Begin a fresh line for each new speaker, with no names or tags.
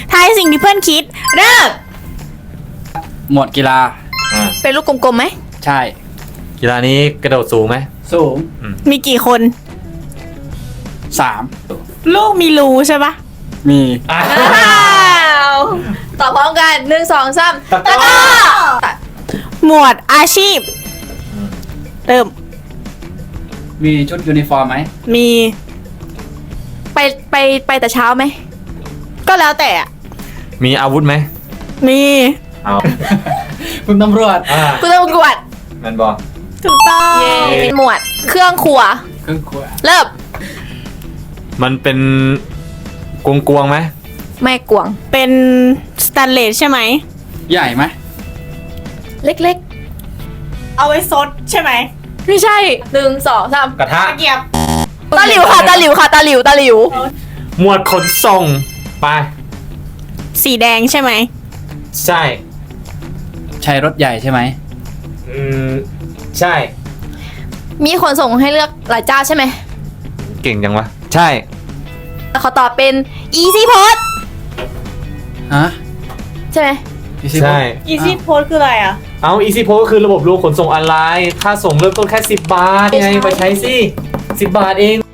ทายสิ่งที่เพื่อนคิด เริ่ม
หมวดกีฬา
เป็นลูกกลมๆไหม
ใช่
กีฬานี้กระโดดสูงไหม
สูง
มีกี่คน
3
ลูกมีรูใช่ปะ
มี
อ้าวตอบพร้อมกัน1 2 3
ตะกร้อ
หมวดอาชีพ เริ่ม
มีชุดยูนิฟอร์มไหม
มี
ไปแต่เช้าไหม
ก็แล้วแต่อะ
มีอาวุธไหม
มี
เอา
คุณตำรวจ
คุณตำรวจ
มันบอก
ถูกต้อง
เป็นหมวดเครื่องครัว
เครื่องครัว
เริ่ม
มันเป็นกวงไหม
แม่กวง
เป็นสแตนเลสใช่ไหม
ใหญ่ไหม
เล็ก
เอาไว้ซดใช่ไหม
ๆ ไม่ใช่1 2 3
กระทะ
ตะเกียบ
ตาหลิวค่ะตาหลิวค่ะตาหลิวตาหลิว
หมวดขนส่งไป
สีแดงใช่ไหม
ใช่
ใช้รถใหญ่ใช่ไหม
ใช่
มีขนส่งให้เลือกหลายเจ้าใช่ไหม
เก่งจังวะ ใช่
แล้วเขาตอบเป็น Easy Post
ฮะ
ใช่ไหม
ใช่
Easy Post คืออะไรอ่ะ
เอา Easy Post ก็คือระบบรวมขนส่งออนไลน์ ค่าส่งเริ่มต้นแค่10 บาทไงไปใช้สิ 10 บาทเอง